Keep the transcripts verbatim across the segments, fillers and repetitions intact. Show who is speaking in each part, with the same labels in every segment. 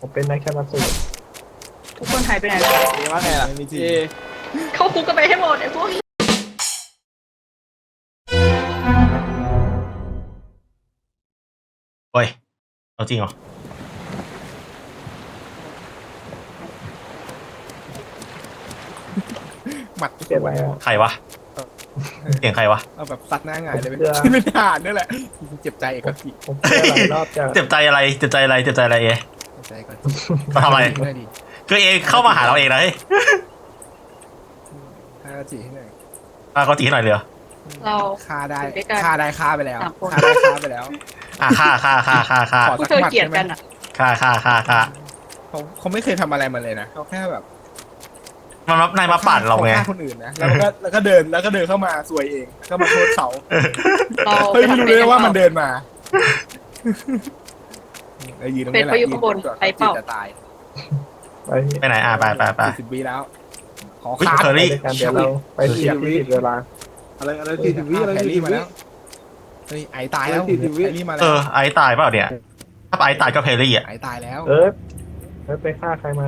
Speaker 1: ผมเป็นนักชนะสูตร
Speaker 2: ทุกคนหายไปไหนแล้ว
Speaker 3: เอว่าไงล่ะเอ
Speaker 2: เข้าคุกกันไปให้หมดไอ้พวก
Speaker 4: เฮ้ยเอาจริงเหรอ
Speaker 3: หมัด
Speaker 1: เจ็บไหมอ่ะ
Speaker 4: ใครวะเสียงใครวะ
Speaker 3: เอาแบบซัดหน้าหงายเลย
Speaker 1: เพื่อ
Speaker 3: ไม่ผ่านนี่แหละเจ็บใจเอกกิ
Speaker 1: ผมเจอหลายรอบจะ
Speaker 4: เจ็บใจอะไรเจ็บใจอะไรเจ็บใจอะไรเอ
Speaker 3: เจ็บใจก่อน
Speaker 4: มาทำอะไร
Speaker 3: ได้ดี
Speaker 4: คือเอเข้ามาหาเราเองนะเฮ้ย
Speaker 3: ฆ่าจีให้หน่อย
Speaker 4: อ่ะเขาจีให้หน่อยเลยเหรอ
Speaker 2: เรา
Speaker 3: ฆ่าได้
Speaker 2: อยู่ด้วยกัน
Speaker 3: ฆ่าได้ฆ่าไปแล้ว
Speaker 2: สามคน
Speaker 3: ฆ่าได้ฆ่าไปแล้ว
Speaker 4: อ่ะฆ่าฆ่าฆ่าฆ่าฆ่า
Speaker 3: ขอ
Speaker 2: พวกเธอเกลียดกันอ่ะ
Speaker 4: ฆ่าฆ่าฆ่าฆ่า
Speaker 3: เขาเขาไม่เคยทำอะไรมาเลยนะเขาแค่แบบ
Speaker 4: มันมานายมาปั่นเราไง
Speaker 3: ขฆ่าคนอื่นนะแล้วก็แล้วก็เดินแล้วก็เดินเข้ามาซวยเองแล้วก็มาโทษเขา
Speaker 2: เรา
Speaker 3: เฮ้ยไม่รู้เลยว่ามันเดินมาไอ้ยืนตรง
Speaker 2: เป็
Speaker 3: นี้
Speaker 2: น
Speaker 3: แหละ
Speaker 2: พายุข้างบนไปเปล่า
Speaker 3: จะตาย
Speaker 1: ไป
Speaker 4: ไปไหนอ่ะไปไปไป
Speaker 3: สี่สิบวิแล้วขอ
Speaker 4: อุ๊ย
Speaker 3: ขาด
Speaker 4: เคอรี่
Speaker 1: ด้วยกันเดี๋ยวเราไปเสียบที่ผิดเวลา
Speaker 5: อะไรอะไรสี่สิบวิอะไร
Speaker 3: แฮร์
Speaker 5: สี่
Speaker 3: รี่
Speaker 5: สิบ
Speaker 3: มา
Speaker 5: วิ
Speaker 3: แล้วเฮ้ยไอตายแล้ว
Speaker 5: สี่สิบวิ
Speaker 3: แฮร์รี่มาแล้
Speaker 4: เอ
Speaker 3: ว
Speaker 4: อไอตายเปล่าเนี่ยถ้าไอตายก็เพลลี่อ่ะ
Speaker 3: ไอตายแล้ว
Speaker 1: เออเออไปฆ่าใครมา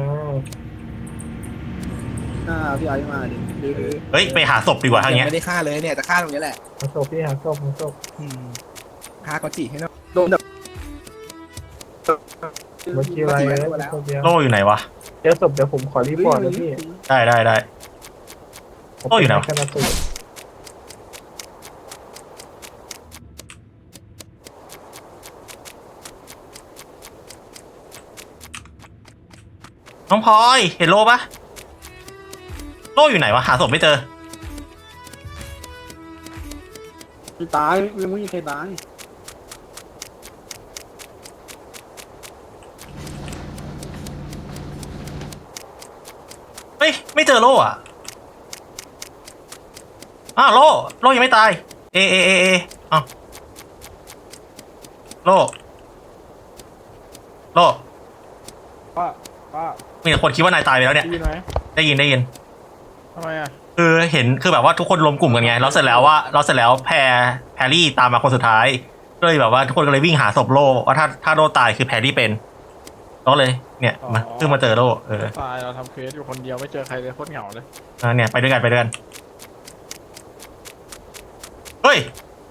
Speaker 5: หน้าพี่ไอ้มาดิดื้อ
Speaker 4: เฮ้ยไปหาศพดีกว่าทางเนี้ย
Speaker 3: ไม่ได้ฆ่าเลยเนี่ยจะฆ่าตรงนี้แหละ
Speaker 1: หาศพพี่หาศพหาศพ
Speaker 3: อืมฆ่าก็จีให้หน่อย
Speaker 5: โดนแบบ
Speaker 1: เมื่อกี้อะไรเออศพเดียว
Speaker 4: โล่อยู่ไหนวะ
Speaker 1: เจอศพเดี๋ยวผมขอรีพอร์ตนะพี่
Speaker 4: ได้ได้ได้
Speaker 1: ผม
Speaker 4: โอ้อยู่ไหน
Speaker 1: เป็น
Speaker 4: วะ
Speaker 1: นักชนะสูตร
Speaker 4: น้องพลอยเห็นโล่ปะโล่อยู่ไหนวะหาศพไม่เจอ
Speaker 5: ไม่ตายยังไม่มีใครตาย
Speaker 4: เฮ้ยไม่เจอโล่อะอ้าวโล่โล่ยังไม่ตายเอเอเอเออ้าวโล่โล่
Speaker 3: ป้าป้า
Speaker 4: มีแต่คนคิดว่านายตายไปแล้วเนี่ย
Speaker 3: ได้ยินไหม
Speaker 4: ได้ยินได้ยิน
Speaker 3: ทำไมอ่ะ
Speaker 4: คือเห็นคือแบบว่าทุกคนรวมกลุ่มกันไงแล้วเสร็จแล้วว่าเราเสร็จแล้วแพรแพรรี่ตามมาคนสุดท้ายก็เลยแบบว่าทุกคนก็เลยวิ่งหาศพโล่ว่าถ้าถ้าโล่ตายคือแพรรี่เป็นก็เลยเนี่ยมาเพิ่งมาเจอโล่เออ
Speaker 6: ตายเราทำเควสอยู่คนเดียวไม่เจอใครเลยโคตรเหงาเลย
Speaker 4: อ่ะเนี่ยไปด้วยกันไปด้วยกันเฮ้ย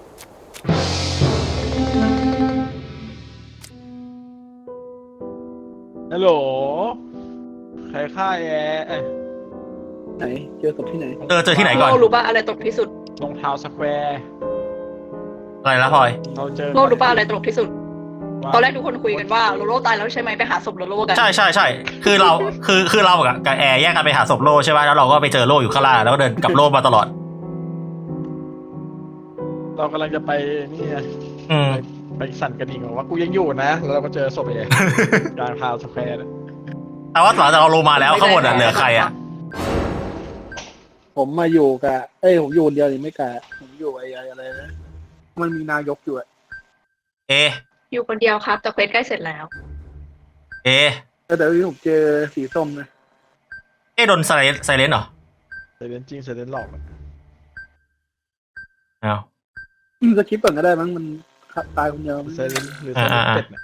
Speaker 6: ฮัลโหลใครฆ่าแอร์เอ้ย
Speaker 5: ไหนเจอกับที่ไหน
Speaker 4: เจอเจอที่ไหนก่อน
Speaker 2: โลรู้ป่ะอะไรตลกที่สุด
Speaker 6: รองเท้าสแควร์
Speaker 4: อะไรละพลอย
Speaker 6: เราเจอ
Speaker 2: โลรู้ป่ะอะไรตลกที่สุด
Speaker 6: ว่า
Speaker 2: ตอนแรกทุกคนคุยกันว่าโลโลตายแล้วใช่ไหมไปหาศพโลโลกัน
Speaker 4: ใช่ใช่ใช่คือเราคือคือเรากับกับแอร์แยกกันไปหาศพโล่ใช่ไหมแล้วเราก็ไปเจอโล่อยู่ข้างล่างแล้วก็เดินกับโล่มาตลอด
Speaker 6: เรากำลังจะไปนี่ไง
Speaker 4: อืม
Speaker 6: ไปสั่นกระดิ่งบอกว่ากูยังอยู่นะแล้วเราก็เจอศพแอร์กลางเท้าสแควร์เลย
Speaker 4: แต่ว่าหลังจากเราลงมาแล้วข้างบนอ่ะเหลือใครอ่ะ
Speaker 5: ผมมาอยู่กับเอ้ยผมอยู่คนเดียวนี่ไม่กะผมอยู่ไอ้ไอ้อะไรนะมันมีนายกอยู่อะ
Speaker 4: เอ
Speaker 2: อยู่คนเดียวครับแต่เควสใกล้เสร็จแล้ว
Speaker 4: เอ
Speaker 5: แต่เดี๋ยวนี้ผมเจอสีส้มนะ
Speaker 4: เอโดนไซเลนไซเลนเหรอ
Speaker 6: เซเลนจริงเซเลนหลอกอะ
Speaker 4: อ้าว
Speaker 5: อืมสกิปก่อนก็ได้มั้งมันตายคนเดียว
Speaker 6: เซเลนหรือเซเลน
Speaker 4: อ่าอ่า
Speaker 6: เป็ดเนี่ย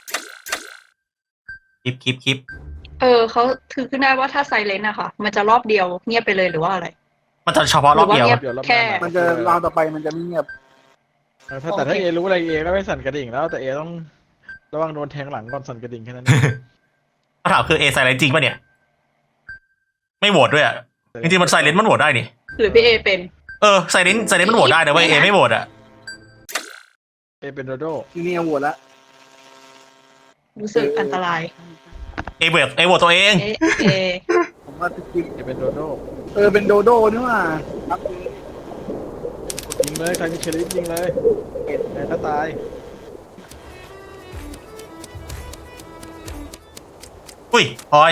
Speaker 4: คลิปคลิปคลิป
Speaker 2: เออเขาถือขึ้นได้ว่าถ้าไซเลนอะค่ะ มันจะรอบเดียวเงียบไปเลยหรือว่าอะไร
Speaker 4: มันจะเฉพาะรอบเดียว
Speaker 2: หรือว่าเงียบ
Speaker 6: เดี๋ยวรอบห
Speaker 2: แค่
Speaker 6: น้า
Speaker 5: มันจะราวต่อไปมันจะไม่เงียบ
Speaker 6: เออถ้าแต่ถ้าเอรู้อะไรเอก็ไม่สั่นกระดิ่งแล้วแต่เอต้องระวังโดนแทงหลังก่อนสั่นกระดิ่งแค่นั้นเอง
Speaker 4: คำถามคือเอไซเลนจริงป่ะเนี่ย ไม่โหวตด้วยอ่ะจริงๆมันไซเลนมันโหวตได้นี่
Speaker 2: หรือพี่เอเป็น
Speaker 4: เออไซเลนไซเลนมันโหวตได้นะเว้ยเอไม่โหวตอ่ะ
Speaker 6: เอเป็นโดโด
Speaker 5: ที่นี่โหวตละ
Speaker 2: รู้สึกอันตราย
Speaker 4: เอโหวตเอโหวตตัวเอง
Speaker 2: เอเอ
Speaker 5: ผมว่าสกิป
Speaker 6: เอเป็นโดโด
Speaker 5: เออเป็นโดโดนี่ว่าครับ
Speaker 6: ยิงเลยใครมีเชลิฟยิงเลยแอร์ก็ตาย
Speaker 4: อุ้ยพลอย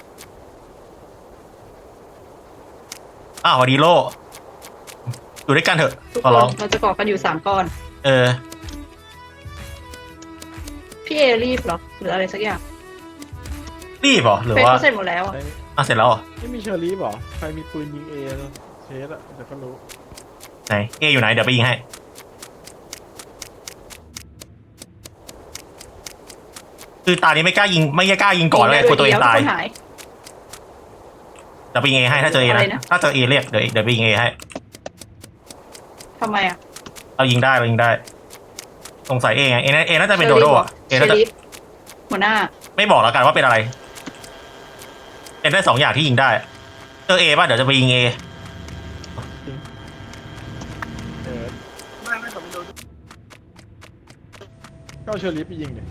Speaker 4: อ้าวสวัสดีโลอยู่ด้วยกันเถอะ
Speaker 2: ทุก
Speaker 4: ขอ
Speaker 2: คน
Speaker 4: ร้อง
Speaker 2: เราจะก่อกันอยู่สามก้อน
Speaker 4: เออ
Speaker 2: พี่เอรีบเหรอหรืออะไรสักอย่าง
Speaker 4: รีบเหรอหรือ
Speaker 2: เฟซ
Speaker 4: ว่า
Speaker 2: เขาเสร็จหมดแล้วอะ
Speaker 4: อ่ะเสร็จแล้วเหรอ
Speaker 6: ไม่มีเชอรี่หรอใครมีปืนยิงเอเชสอะเดี๋ยวก็รู้
Speaker 4: ไหนเออยู่ไหนเดี๋ยวไปยิงให้คือตานี้ไม่กล้ายิงไม่กล้ายิงก่อนเลยกลัวตัวเองตาย
Speaker 2: ทุกคนหาย
Speaker 4: เดี๋ยวไปยิงเอให้ถ้าเจอเอ
Speaker 2: อะไร
Speaker 4: นะ
Speaker 2: นะ
Speaker 4: ถ้าเจอเอเรียกเดี๋ยวเดี๋ยวไปยิงเอให้
Speaker 2: ทำไมอ่ะ
Speaker 4: เรายิงได้เรายิงได้สงสัยเอไงเอน่าเอน่าจะเป็นโดโดอ่ะเอ
Speaker 2: เช
Speaker 4: น่าจะ
Speaker 2: ลิฟหัวหน้า
Speaker 4: ไม่บอกแล้วกันว่าเป็นอะไรเป็นได้สองอย่างที่ยิงได้เจอเอป่ะเดี๋ยวจะไปยิงเอ
Speaker 6: เออ
Speaker 5: ไม่ไม่ผมไม่โดน
Speaker 6: ก็เอาเชอรี่ไปยิงดิ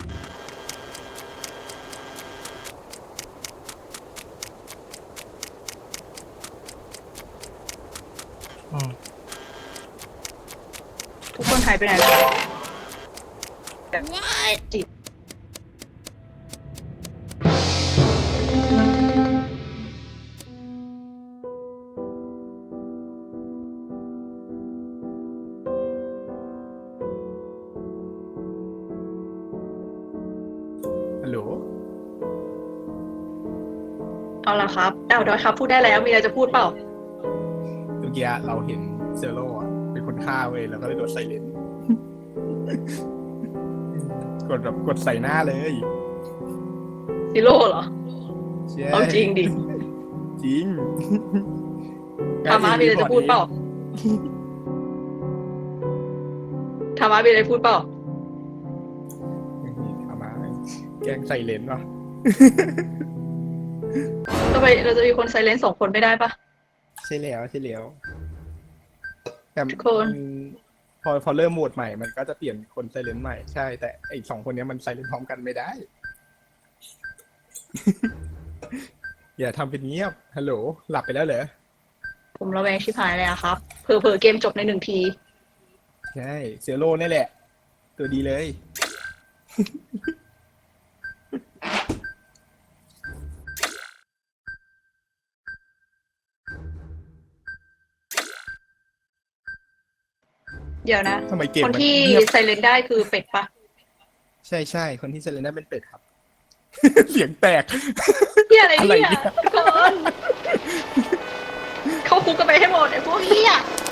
Speaker 4: อืม
Speaker 2: ทุกคนหายไปไหนแล้วจิต
Speaker 3: ฮัลโหล
Speaker 2: เอาละครับเอาดอยครับพูดได้แล้วมีอะไรจะพูดเปล่า
Speaker 3: เมื่อกี้เราเห็นเซโร่อะเป็นคนฆ่าเว้ยแล้วก็เลยโดนไซเลน กดแบบกดใส่หน้าเลย
Speaker 2: ซิโร่เหรอ
Speaker 3: ใช่
Speaker 2: เอาจริงดิ
Speaker 3: จริง
Speaker 2: ธรรมะมีอะไรจะพูดเปล่าธรรมะมีอะไรพูดเปล่า
Speaker 3: เอามาแกล้งใส่เลนส์วะ
Speaker 2: ทำไมเราจะมีคนไซเลนต์สองคนไม่ได้ปะ
Speaker 3: ใช่แล้วใช่แล้วแต่
Speaker 2: ทุกคน
Speaker 3: อืมพอพอเริ่มโหมดใหม่มันก็จะเปลี่ยนคนไซเลนต์ใหม่ใช่ แต่ไอ้สองคนเนี้ยมันไซเลนต์พร้อมกันไม่ได้ อย่าทำเป็นเงียบฮัลโหลหลับไปแล้วเหรอ
Speaker 2: ผมระแวงชิบหายเลยอะครับเผลอๆเกมจบในหนึ่งที
Speaker 3: ใช่เซโร่นี่แหละ ตัวดีเลย
Speaker 2: เดี๋ยวนะ
Speaker 3: ทำไมเกม
Speaker 2: คน
Speaker 3: มัน
Speaker 2: ที่
Speaker 3: เงียบ
Speaker 2: ไซเลนต์ได้คือเป็ดปะ
Speaker 3: ใช่ใช่คนที่ไซเลนต์ได้เป็นเป็ดครับ เสียงแตก
Speaker 2: เฮียอะไร
Speaker 3: อะไร
Speaker 2: เนี่ย
Speaker 3: เนี่ย
Speaker 2: ทุกคนเข้าคุกกันไปให้หมดไอ้พวกเฮีย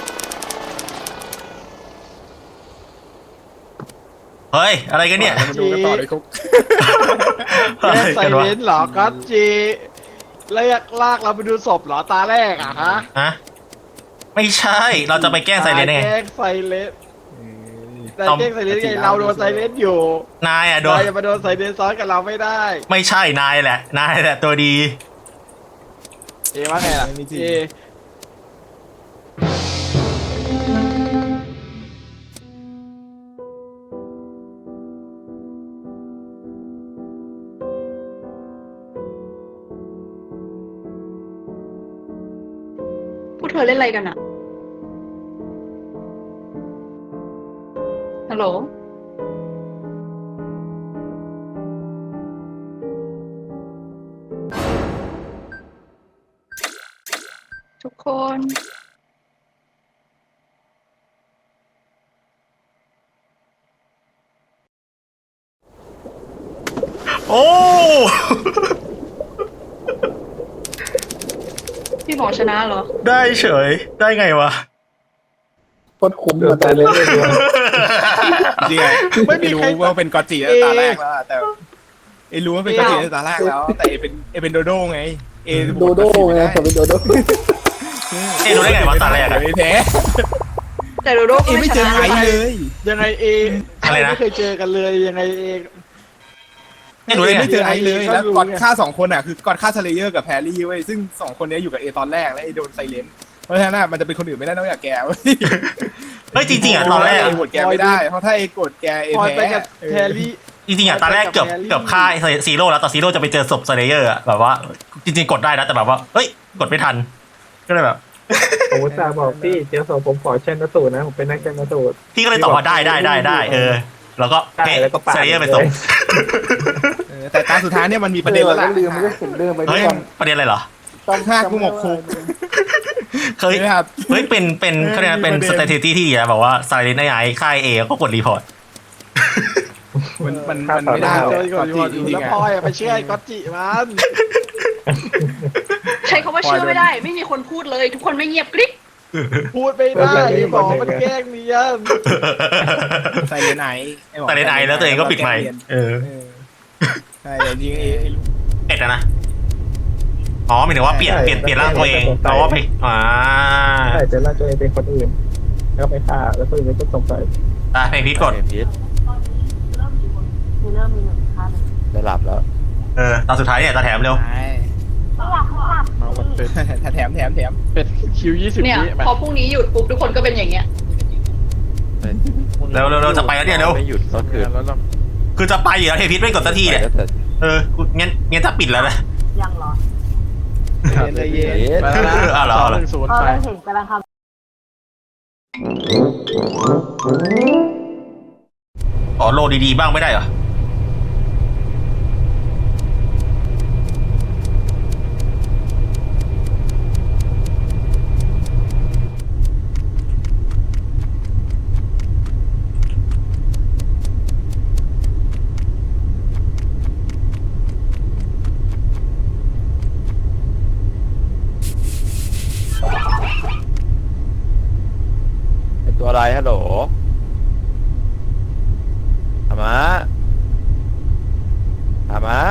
Speaker 4: เฮ้ยอะไรกันเนี่ย
Speaker 3: มาดูกันต่อเลยคุก
Speaker 4: อะ
Speaker 6: แก
Speaker 4: ไร
Speaker 6: ใส่
Speaker 4: กัน
Speaker 6: เล
Speaker 4: วะ
Speaker 6: นส์เหรอกัสจีเรียกลากเราไปดูศพเหรอตาแรกอะฮะ
Speaker 4: ฮะไม่ใช่เราจะไปแกล้งไซเรนได้ไง
Speaker 6: แกล้งไซเลนส์แต่
Speaker 4: ต้อง
Speaker 6: แกล้งไซเลนส์ไงเราโดนไซเลนส์อยู่
Speaker 4: นายอ่ะโดน
Speaker 6: นายจะมาโดนไซเลนส์ซ้อนกับเราไม่ได้
Speaker 4: ไม่ใช่นายแหละนายแหละตัวดี
Speaker 6: เอว่าไงล่ะ
Speaker 3: ไม่จริง
Speaker 6: เอ
Speaker 2: พวกเธอเล่นอะไรกันอะฮัลโหลทุกคน
Speaker 4: โอ้
Speaker 2: พี่หมอชนะเหรอ
Speaker 4: ได้เฉยได้ไงวะ
Speaker 5: โคตรคุ้ม
Speaker 1: เดือ
Speaker 5: มา
Speaker 1: ด
Speaker 5: ตา
Speaker 1: ตาย
Speaker 5: เล
Speaker 1: เลย ยด้วย
Speaker 3: จริงๆไม่รู้ว่าเป็นกอตจิตั้งแต่ตาแรกแล้วอะแต่เอรู้ว่าเป็นกอตจิตั้งแต่ตาแรกแล้ว แต่เอเป็นเอเป็นโดโด้ไง เอ
Speaker 5: โดโด้ไงผมเป็นโดโด้
Speaker 4: เอ๊ะรู้ได้ไงวะตาแรกอะ
Speaker 3: ไม่แพ้
Speaker 2: แต่โดโด
Speaker 3: เอ
Speaker 2: ก็
Speaker 3: ไม่
Speaker 2: ไม่ช
Speaker 3: เจอ
Speaker 2: นะ
Speaker 3: ใครเลย
Speaker 6: ยังไงเอ
Speaker 4: อะไรนะ
Speaker 6: ไม่เคยเจอกันเลยยังไงเอ
Speaker 4: ไม่รู้ได้ไง
Speaker 3: ไม่เจอไอเลย
Speaker 6: ก็
Speaker 3: แล้ว
Speaker 6: รู้
Speaker 3: กอด
Speaker 6: ไง
Speaker 3: ฆ่าสองคนอ่ะคือกอดฆ่าสเลเยอร์กับแพรรี่เว้ยซึ่งสองคนนี้อยู่กับเอตอนแรกแล้วเอโดนไซเลนต์เพราะฉะนั้นอะมันจะเป็นคนอื่นไม่ได้นอกจากแกเว้ย
Speaker 4: เฮ้ยจริงๆอ่ะตอนแรก
Speaker 3: เอโหวตแกไม่ได้เพราะถ้าเอกดแกเอ
Speaker 6: พอยไป
Speaker 3: แพ้
Speaker 6: กับแพรรี่
Speaker 4: จริงๆอ่ะตอนแรกเกือบ
Speaker 6: ไปกับแฮร์รี่
Speaker 4: เกือบฆ่าไอ้ซีโร่แล้วแต่ซีโร่จะไปเจอศพสเลเยอร์อ่ะแบบว่า จริงๆกดได้นะแต่แบบว่าเฮ้ยกดไม่ทัน ก็เลยแบบ
Speaker 1: ผมอุตส่าห์บอกพี่เจ้าสาวผมขอเช่นนสูตรนะผมเป็นนักเช่นนสูตร
Speaker 4: พี่ก็เลยตอบว่าได้ได้ได้ได้เออ แล้วก็
Speaker 1: ได้
Speaker 4: เป๊ะ
Speaker 1: แล้วก็ปาด
Speaker 4: สเลเยอร์ไปศพ
Speaker 3: เออแต่ตาสุดท้ายเนี่ยมันมีประเด็นแล้วล่ะ
Speaker 5: ลืมไม่ได้ผมเดินไป
Speaker 4: เฮ้
Speaker 5: ด้วย
Speaker 4: ย
Speaker 5: กัน
Speaker 4: ประเด็นอะไรเหรอ
Speaker 5: ต้อง
Speaker 3: ห้ากูหมกคุก
Speaker 4: เคย
Speaker 3: ใช่ไหมครับ
Speaker 4: เฮ้ยเป็นเป็น
Speaker 3: เออ
Speaker 4: เขาเรียกว่าเป็น
Speaker 3: มี
Speaker 4: ส
Speaker 3: ประเด็น
Speaker 4: เตติที่อ่ะแบบว่าไซเลนไอไอค่ายเอก็กดรีพอร์ต
Speaker 3: มันมันมันไม่ได้
Speaker 6: เจ
Speaker 3: หร
Speaker 6: อ
Speaker 3: อก
Speaker 6: ก่อน
Speaker 3: กอต
Speaker 6: อยู่
Speaker 3: จิจริ
Speaker 6: แล้ว
Speaker 3: งๆ
Speaker 6: พลอย
Speaker 3: อะ
Speaker 6: อะไปเชื่อไอ้ก๊อตจิมัน
Speaker 2: ใช้คำว่าเชื่อไม่ได้ ไม่มีคนพูดเลย ทุกคนไม่เงียบกริ๊ก
Speaker 6: พูดไม่ได้บอกมันแกล้งเนียน
Speaker 3: ไซเลนไอ
Speaker 4: ไซเลนไอแล้วตัวเองก็ปิดไมค์เออ
Speaker 3: เออใช่แต่จริงๆเอเอรู้
Speaker 4: เป็ดอะนะอ๋อหมายถึงว่าเปลี่ยนเปลี่ยนเปลี่ยนร่างตัวเองเพราะว่าไปอ่า
Speaker 1: ใช่เจอแล้วตัวเองเป็นคนอื่นแล้วไปฆ่าแล้วคนอื่นก็สงสัย
Speaker 4: ตาเพลงพีทกด
Speaker 7: เกมพิษ
Speaker 8: มีเริ่มมีหนึ่งท่าน
Speaker 7: ได้หลับแล้ว
Speaker 4: เออตาสุดท้ายเนี่ยตาแถมเร็ว
Speaker 3: ใช่
Speaker 8: ไม่อยากให้หลับ
Speaker 6: มาวันเป็ด
Speaker 3: ถ้าแถมแถมแถม
Speaker 6: เป็ดคิวยี่สิบ
Speaker 2: เนี่ย
Speaker 6: วิแม
Speaker 2: พอพรุ่งนี้หยุดปุ๊บทุกคนก็เป็นอย่างเงี้ย
Speaker 4: เร็วเร็วเร็วจะไปแล้วเนี่ยเร็ว
Speaker 7: ไม่หยุดก็คือ
Speaker 6: แล้วเรา
Speaker 4: คือจะไปอยู่แล้วเทพีทไม่กดสักทีเนี่ย
Speaker 7: ไปก็แต่
Speaker 4: เอองั้นงั้นจะปิดแล้วนะ
Speaker 8: ยังเหรอ
Speaker 3: เย็นเลยเย็น
Speaker 7: เย็น
Speaker 6: ไปแล้วนะ
Speaker 4: อ่ะเหรอ
Speaker 6: สองหนึ่งศูนย์
Speaker 8: ก็
Speaker 6: ไป
Speaker 8: เลยเห็นกำลังท
Speaker 4: อ๋อโลดีๆบ้างไม่ได้เหรอ
Speaker 7: เป็นตัวอะไรฮัลโหลธรรมะธรรมะ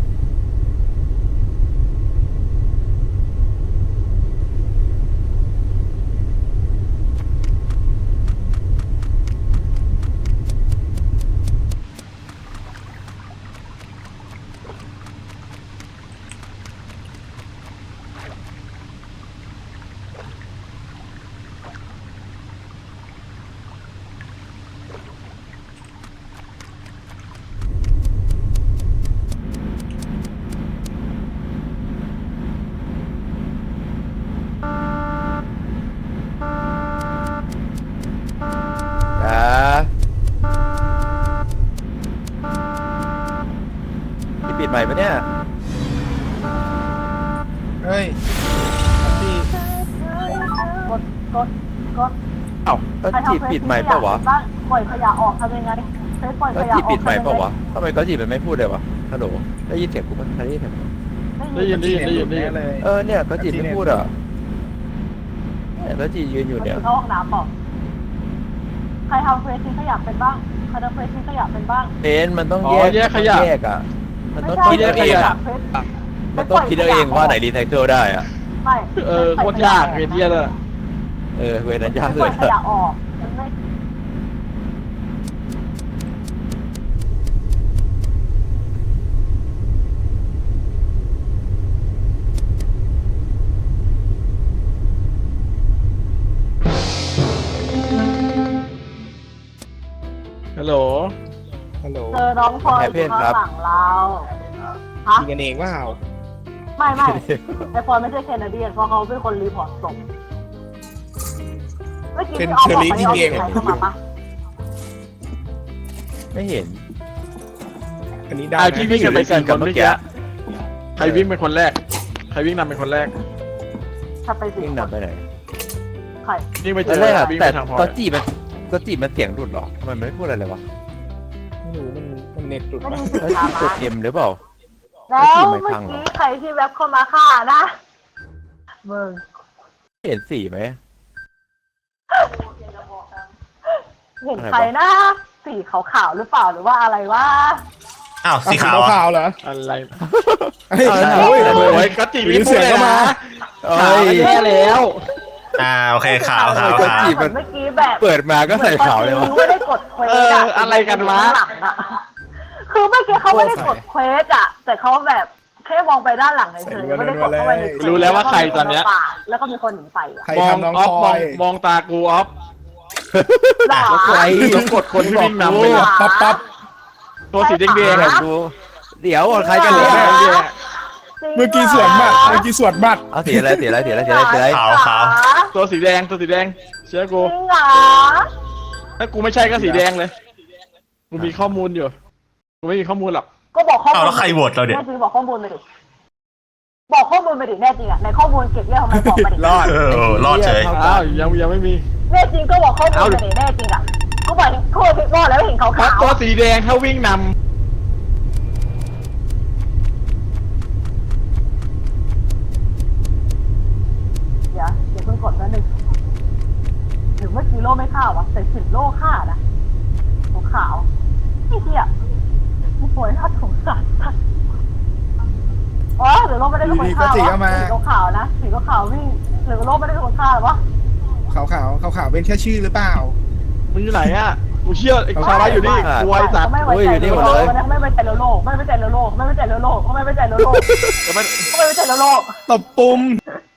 Speaker 7: อ่าที่ปิดใหม่ปะเนี่ย
Speaker 3: เฮ้ยพี่
Speaker 8: ำกดกดกด
Speaker 7: เอ้าก็จีบปิดใหม่เปล่าวะ
Speaker 8: บ้างปล่อยขยะออกทำยังไงใช้ปล่อย
Speaker 7: ก็
Speaker 8: ขยะ
Speaker 7: จีบ
Speaker 8: ออก
Speaker 7: ปิดใหม่เปล่าวะทำไมก็จีบมันไม่พูดเลยวะฮัลโหลได้ยินเสียงกูมั้ยได้ยินเสียงกู
Speaker 6: ได้ยินได้ยินได้ยินได้ยิน
Speaker 3: เลย
Speaker 7: เออเนี่ยก็จีบไม่พูดอ่ะเนี่ยก็จียืนอยู่เนี่ย
Speaker 8: เข้าห้องน้ำบอกใครทำเฟซทิ้งขยะเป็นบ้างใครทำเฟซทิ้งขยะเป็นบ้าง
Speaker 7: เอ็นมันต้อง
Speaker 6: อ๋
Speaker 7: แย
Speaker 6: อก แยกขยะ
Speaker 7: มันต้องแยกอ่ะมันต้อง
Speaker 8: ไม่
Speaker 7: คิด
Speaker 8: ใช่
Speaker 7: เอาเอง
Speaker 8: ขยะ
Speaker 7: อ่ะ
Speaker 8: เฟซ
Speaker 7: มันต้องคิดเอาเองว่าไหนรีไซเคิลได้อ่ะ
Speaker 8: ไม่
Speaker 6: เออโคตรยากเฮียเลย
Speaker 7: เออเวรนั้นยาก
Speaker 8: ป
Speaker 7: เล
Speaker 8: ล่อย ยขยะออกมันไม่
Speaker 6: ฮัลโหล
Speaker 3: ฮัลโหล
Speaker 8: เจอน้องพลอยอยู่ข้างหลังเราฮะ
Speaker 3: ยิงกันเองว่า
Speaker 8: ไม่ไม่ไอพลอยไม่ใช่แคนาเดียนเพราะเขาเป็นคนรีพอร์ตศพเมื่อกี้ที่ออฟบอกไปออฟใครเข้ามาปะ
Speaker 7: ไม่เห็น
Speaker 3: อันนี้ได้
Speaker 6: ไอ
Speaker 3: นะ
Speaker 6: พี่วิ่งกันไปสี่คนเมื่อกี้
Speaker 7: เมื่อกี้
Speaker 6: ใครวิ่งเป็นคนแรก ใครวิ่งนำเป็นคนแรก
Speaker 8: ถ้าไปสิ
Speaker 7: วิ่งนำไปไหน
Speaker 8: ใคร
Speaker 6: วิ่งไปเจ
Speaker 7: ตอน
Speaker 6: อ
Speaker 7: แรกอะ
Speaker 6: วิ่ง
Speaker 7: แต่
Speaker 6: ไปทางพลอ
Speaker 7: ก็
Speaker 6: ย
Speaker 7: จีบมันก็จีบมันเสียงหลุดเหรอทำไมมันไม่พูดอะไรเลยวะ
Speaker 3: ไม่รู้มันมันเน็ตหลุด
Speaker 8: ไม่ได้
Speaker 3: ปะ
Speaker 8: ยิน
Speaker 7: แล้ว
Speaker 8: เสียง
Speaker 7: จีบกดเอ็มหรือเปล่า
Speaker 8: แล้วเมื่อกี้ใครที่แว็บเข้ามาฆ่านะมึง
Speaker 7: เห็นสีไหม
Speaker 8: เห็นใครนะสีขาวๆหรือเปล่าหรือว่าอะไรวะ
Speaker 4: อ้าวสี
Speaker 3: สี
Speaker 4: ขาวอะ
Speaker 3: ขาวเหรอ
Speaker 6: อะไร
Speaker 3: เฮ้ย
Speaker 7: โอ้ย
Speaker 6: โอ้ยก็จีวิ่งพูดเลยนะ
Speaker 7: เอ้
Speaker 6: ขาวแย่แล้ว
Speaker 4: อ่าโอเคขาวขาว
Speaker 7: ก็
Speaker 4: ขาว
Speaker 7: จีบมัน
Speaker 8: เมื่อกี้แบบ
Speaker 7: เปิดมาก็ใส่ขาวเลยวะ
Speaker 8: ไม่ได้กดเควส
Speaker 6: เอออะไรกันวะ
Speaker 8: หลังอะคือเมื่อกี้เขาไม่ได้กดเควสอะแต่เขาแบบแค่มองไปด้านหลังเฉยๆไม่ได้กดเข้าไปในเควส
Speaker 6: รู้แล้วว่าใครตอนเนี้ย
Speaker 8: แล้วก็มีคนหนีไปอะ
Speaker 3: ใคร
Speaker 6: มอง
Speaker 3: ทำน้อง
Speaker 6: ออฟ
Speaker 3: พล
Speaker 6: ม
Speaker 3: อ
Speaker 6: อง
Speaker 3: ย
Speaker 6: มองตากูออฟ
Speaker 8: หรอ
Speaker 7: ใคร
Speaker 6: ต้องกดคนที่วิ่งนำไปเลย
Speaker 3: ปั๊บปั๊บ
Speaker 6: ตัวสีแดง
Speaker 7: เดี๋ยว
Speaker 6: ๆอะ
Speaker 7: กูเดี๋ยวใครกัน
Speaker 6: สี
Speaker 7: เนี่ย
Speaker 6: แดงๆอะ
Speaker 3: เมื่อกี้สวนบัตรเมื่อกี้สวนบัตร
Speaker 7: เอาสีอะไรสีอะไรสีอะไรสีอะไรสีอะไร
Speaker 4: ขาวขาว
Speaker 6: ตัวสีแดงตัวสีแดงเชื่อกู
Speaker 8: จริงเหรอ
Speaker 6: ถ้ากูไม่ใช่ก็สีแดงเลย กูมีข้อมูลอยู่ กูไม่มีข้อมูลหรอก
Speaker 8: ก็บอกข้อมู
Speaker 4: อ้าว
Speaker 8: ล
Speaker 4: แล้วใครโหวตเราเนี่ย
Speaker 8: แน่จริงบอกข้อมูลไปดิบอกข้อมูลไปดิแน่จริงอะในข้อมูลเก็บเรื่องทำไมบอกไปดิ
Speaker 3: รอด
Speaker 4: เออเออรอดเฉย
Speaker 6: อ้าวยังยังไม่มี
Speaker 8: แน่จริงก็บอกข้อมูลไปดิแน่จริงอะก็บอกก็บอกแล้วเห็นเขา
Speaker 6: เพราะ
Speaker 8: ขาว
Speaker 6: ตัวสีแดงถ้าวิ่งน
Speaker 8: เดี๋ยวเดี๋ยวเพิ่งกดแล้วหนึ่งหรือเมื่อกี้โล่ไม่ฆ่าวะแต่สิบโล่ฆ่านะขาวขาวไอ้เหี้ยโอ้ยน่าสงสารสัตว์รือโลกไม่ได้เป็นคนฆ่าวะสีขาวๆนะสีขาวๆวิ่งหรือโลกไม่ได้เป็นคนฆ่าหรอวะ
Speaker 3: ขาวขาวขาวขาวๆเป็นแค่ชื่อหรือเปล่า
Speaker 6: มึงอยู่ไหนอ่ะกูเชื่อไอ้คาร่าอยู่นี่กลัวไอ้สัตว์
Speaker 8: ไม่ไว้ใจโลกไม่ไว้ใจโลกไม่ไว้ใจโลกไม่ไว้ใจโลกไม่ไว้ใจโลก
Speaker 6: แต่มัน
Speaker 8: ไม่ไว้ใจโลก
Speaker 3: ตบปุ่ม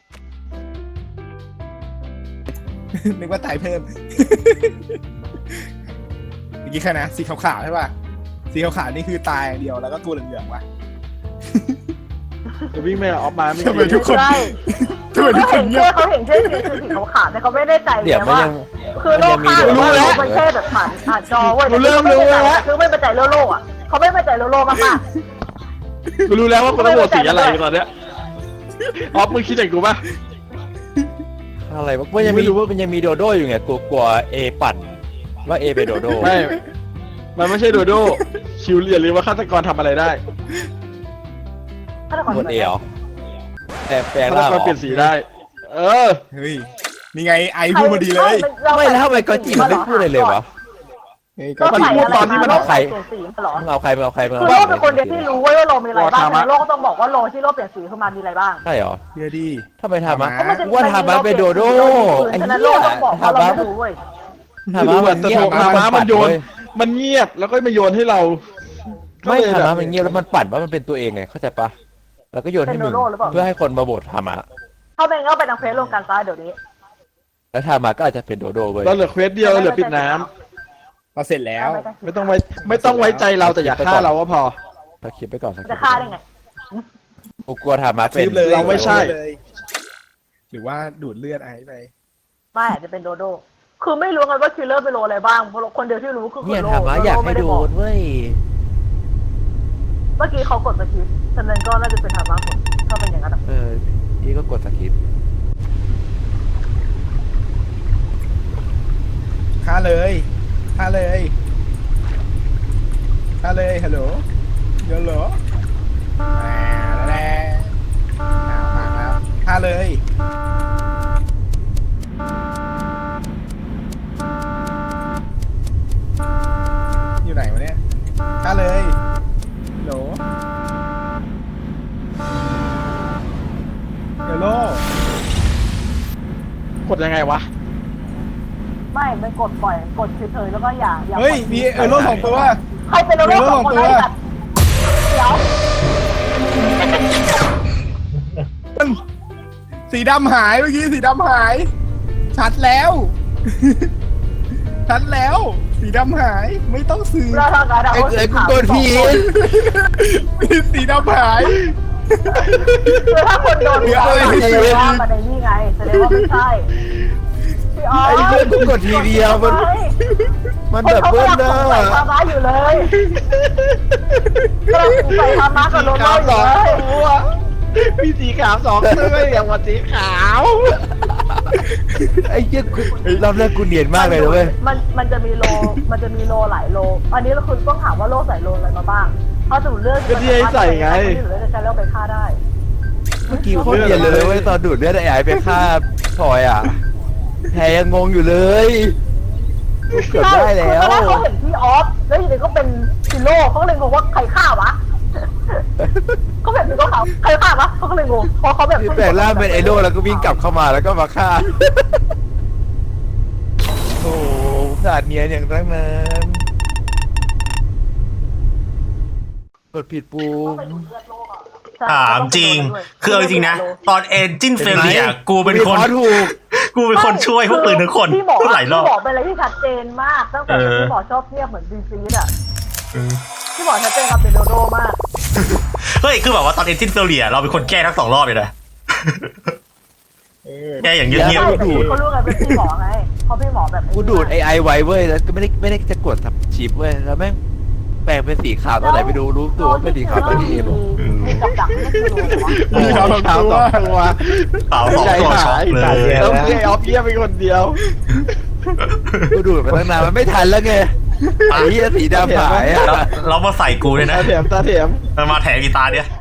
Speaker 3: นึกว่าตายเพิ่ม เมื่อกี้แค่นะสีขาวๆใช่ป่ะ สีขาวๆนี่คือตายอย่างเดียวแล้วก็ตัวเหลืองๆว่ะ
Speaker 6: จะวิ่งไม่ออกมาไม่
Speaker 3: ทำไมทุกคน
Speaker 8: ใช่
Speaker 3: ทำไมทุกคนเงียบ
Speaker 8: เขาเห็นเช่นคือสีขาวๆแต่เขาไม่ได้ใจ
Speaker 7: เดี๋ยวมัน
Speaker 8: ว่า
Speaker 7: ยัง
Speaker 8: คือโลกฆ่ารู้แล้วมันแค่แบบผ่านผ่านจอเว้ยคือไม่ไว้ใจโลกอ่ะเขาไม่ไว้ใจโลกมาก
Speaker 6: กูรู้แล้วว่ากูต้องโหวตสีอะไรตอนเนี้ยออฟมึงคิดอย่างกูป่ะ
Speaker 7: อะไรวะมันยังมีมันยังมีโดโด้อยู่ไงกลัวกลัวเอปั่นว่าเอเป็นโดโด้
Speaker 6: ไม่ มันไม่ใช่โดโด้ชิวเรียนหรือว่าฆาตกรทำอะไรได้
Speaker 8: ๆฆาตกร
Speaker 7: หมดเอเหรอแต่แปลง
Speaker 6: ฆาต
Speaker 7: ร่าง
Speaker 6: กรเปลี่ยนสีได้ เออ
Speaker 3: เฮ้ย นี่ไงไอพูดพอดีเลย
Speaker 7: ไม่แล้วทำไมกอจิมันไม่พูดอะไรเลยวะ
Speaker 3: เฮ้ย
Speaker 8: ก็
Speaker 3: ก็
Speaker 8: ใส่
Speaker 3: พูด
Speaker 8: อะไร
Speaker 3: ตอนที่มัน
Speaker 8: โล
Speaker 3: เอา
Speaker 8: ก
Speaker 3: ใคร
Speaker 8: เปลี่ยนสีมาหรอ
Speaker 7: มึงเอาใครมึงเอาใครมึง
Speaker 8: คือ
Speaker 7: เอา
Speaker 8: โล
Speaker 7: ใคร
Speaker 8: กเป็นคนเดียวที่รู้ว่าโลมีอะไรบ้างโลกต้องบอกว่าโลที่โลเปลี่ยนสีขึ้นมามีอะไรบ้าง
Speaker 7: ใช่เหรอ
Speaker 3: เดี๋ยวดี
Speaker 7: ทำไมทำมา
Speaker 3: ทำไม
Speaker 7: ว่าทำมาเป็นโดโด้ไอ้
Speaker 8: ฉะ
Speaker 7: เหี้
Speaker 8: นั้นโล
Speaker 7: ย
Speaker 8: กต้องบอกว่า
Speaker 7: ทำ
Speaker 8: เรา
Speaker 7: มา
Speaker 8: ไม่รู้เว้ย
Speaker 7: ทำมามันเงียบ
Speaker 6: ทำมามันโยน มันเงียบแล้วก็มาโยนให้เรา
Speaker 7: ไม่
Speaker 6: ก็เลยแบบ
Speaker 7: ทำมามันเงียบแล้วมันปั่นว่ามันเป็นตัวเองไงเข้าใจปะแล้วก็โยนให้มึงเพื่อให้คนมาโหวตทำมา
Speaker 8: เข้าไปก็ไปทางเฟซลงกันซ้ายเดี๋ยวนี้
Speaker 7: แล้วทำมาก็อาจจะเป็นโดโด้เว้ย
Speaker 6: เราเหลือเควสเดียวเหลือปิดน้ำ
Speaker 3: เราเสร็จแล้ว
Speaker 6: ไม่ต้องไว้ไม่ต้องไว้ใจเราแต่อย่าฆ่าเราก็พอ
Speaker 7: สคริปต์ไปก่อนสคริปต์
Speaker 8: จะฆ่าได้ไง
Speaker 7: กูกลัวทำมาเป็น
Speaker 3: ซื้อเลย
Speaker 6: เราไม่ใช่
Speaker 3: เลยหรือว่าดูดเลือดไอซ์ไป
Speaker 8: ไม่อาจจะเป็นโดโดคือไม่รู้กันว่าคิลเลอร์เป็นโลอะไรบ้างเพราะคนเดียวที่รู้คือ
Speaker 7: เนี่ย
Speaker 8: โล
Speaker 7: ทำมาอยากให้โดนเว้ย
Speaker 8: เมื่อกี้เขากดสกิปฉะนั้นก็น่าจะเป็นธรรมะผมถ้าเป็นอย่างนั้น
Speaker 7: เออพี่ก็กดสคริปต์
Speaker 3: ฆ่าเลยฆ่าเลยฆ่าเลยฮัลโหลเดี๋ยวเหรอแหมแล้วอ่ามาแล้วฆ่าเลยอยู่ไหนวะเนี่ยฆ่าเลยฮัลโหลเดี๋ยวโล
Speaker 6: กดยังไงวะ
Speaker 8: ไม่ไม่กดปล่อยกดเฉยๆแล้วก็อย่าอย่า
Speaker 3: เฮ้ยมีเออโลสองตัว
Speaker 8: ใครเป็นโลสองคนได้แบบเดี๋ยว
Speaker 3: สีดำหายเมื่อกี้สีดำหาย ชัดแล้ว ชัดแล้ว สีดำหายไม่ต้องซื้อ
Speaker 8: เราทำการเอา
Speaker 7: ไอ้เอ้ยกูกดผิด
Speaker 3: สีดำหาย
Speaker 8: คือถ้าคนโดนแสดงว่ามันในนี่ไงแสดงว่าไม่ใช่พี่อ๋อ
Speaker 7: ไอ้เพื่อนกูกดทีเดียวมันมันแบบเบิ้ลเนอะ
Speaker 8: ใส่ธรรมะอยู่เลยกำลังใส่ธรรมะกับโดนเราอยู่เลย
Speaker 6: มีสีขาวสองตัวอย่างว่าสีขาว
Speaker 7: ไอ้เหี้ยกูรอบแรกกูเนียนมากเลยนะเว้ย
Speaker 8: มันมันจะมีโลมันจะมีโลหลายโล อันนี้เราคุณต้องถามว่าโลใส่โลอะไรมาบ้างเพราะสมมติเลือก
Speaker 6: ก็ที่ให้ใส่ไง
Speaker 8: ที่เหลือจะใช้แล้วไปฆ่าได้
Speaker 7: เมื่อกี้โคตรเนียนเลยเว้ยตอนดูดเลือดไอ้ไอ้ไปฆ่าพลอยอ่ะแพรยังงงอยู่เลยกูเกือบได้แล้ว
Speaker 8: คือตอนแรกเขาเห็นพี่ออฟแล้วอยู่ดีก็เป็นซิโร่เขาเลยงงว่าใครฆ่าวะเขาแบบนี้ก็เขาใครฆ่าวะเขาก็เลยงงเพราะเขาแบบ
Speaker 7: ที่แปลงร่างเป็นไอโดแล้วก็วิ่งกลับเข้ามาแล้วก็มาฆ่าโอ้สาดเนียนอย่างตั้งนานกดผิดปูม
Speaker 4: ถามจริง คือเอาจริงนะ ตอนเอนจินเฟลเลียกูเป็นคน
Speaker 7: วิเคราะห์ถูก
Speaker 4: กูเป็นคนช่วยพวกปืนทุกคน
Speaker 8: พี่หมอ
Speaker 4: พูดหลายรอบ
Speaker 8: พี่หมอเป็นอะไรที่ชัดเจนมากตั้งแต่
Speaker 4: เออ
Speaker 8: พี่หมอชอบเทียบเหมือนบีซีดอ่ะพี่หมอชัดเจนกับเป็นโดโดมาก
Speaker 4: เฮ้ย คือแบบว่าตอนเอนจินเฟลเลียเราเป็นคนแก้ทั้งสองรอบเลยนะ
Speaker 3: เออ
Speaker 4: แก้อย่างเงี
Speaker 8: ใช่
Speaker 4: ยบ
Speaker 8: แต่พี่เขารู้กันเป็นพี่หมอไงเพราะพี่หมอแบบ
Speaker 7: กูดูดไอไอไว้เว้ยแล้วก็ไม่ได้ไม่ได้จะกดทับชิปเว้ยแล้วแม่งแปลงเป็นสีขาวตอนไหนไปดูรู้ตัวว่าเป็นสีขาวตอนที่เอบอก
Speaker 8: มีกับดักไม่คือรู้วะ
Speaker 3: มีขาวสองตัว
Speaker 6: ตัว
Speaker 4: ๆเปล่าสองตัวช็อกเลย
Speaker 6: ต้องให้ออฟเยี่ยมเป็นคนเดียว
Speaker 7: กูดูดไปตั้งนานมันไม่ทันแล้วไงไอ้เหี้ยสีดำหายอ่ะ
Speaker 4: แล้วเรามาใส่กูเลยนะ
Speaker 6: ตาเถียมตาเถียม
Speaker 4: มันมาแถมอีตาเนี่ย